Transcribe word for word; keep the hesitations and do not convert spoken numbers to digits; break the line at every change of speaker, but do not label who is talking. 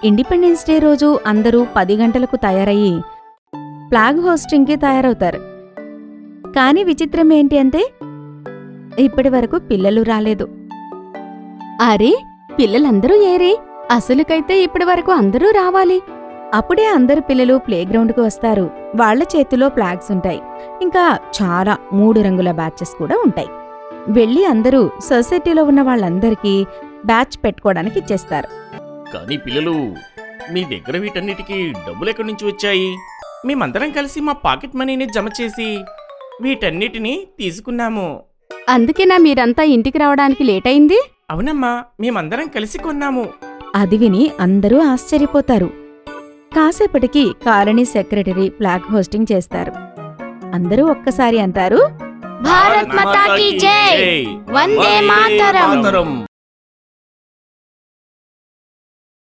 Independence day రోజు అందరూ పది గంటలకు తయారయ్యి ఫ్లాగ్ హోస్టింగ్కి తయారవుతారు. కానీ విచిత్రం ఏంటి అంటే ఇప్పటి వరకు పిల్లలు రాలేదు.
అరే, పిల్లలందరూ ఏరే? అసలుకైతే ఇప్పటి వరకు అందరూ రావాలి.
అప్పుడే అందరు పిల్లలు ప్లేగ్రౌండ్కు వస్తారు. వాళ్ల చేతిలో ఫ్లాగ్స్ ఉంటాయి. ఇంకా చాలా మూడు రంగుల బ్యాచెస్ కూడా ఉంటాయి. వెళ్ళి అందరూ సొసైటీలో ఉన్న వాళ్ళందరికీ బ్యాచ్ పెట్టుకోవడానికి ఇచ్చేస్తారు.
కానీ పిల్లలు, మీ దగ్గర వీటన్నిటికీ డబ్బులు ఎక్కడి నుంచి వచ్చాయి? మేమందరం కలిసి మా పాకెట్ మనీని జమ చేసి వీటన్నిటినీ తీసుకున్నాము.
అందుకేనా మీరంతా ఇంటికి రావడానికి లేట్ అయింది?
అవునమ్మా, మేమందరం కలిసి కొన్నాము.
అది విని అందరూ ఆశ్చర్యపోతారు. కాసేపటికి కాలనీ సెక్రటరీ ఫ్లాగ్ హోస్టింగ్ చేస్తారు. అందరూ ఒక్కసారి అంటారు,
భారత్ మాతా కీ జై! వందే మాతరం!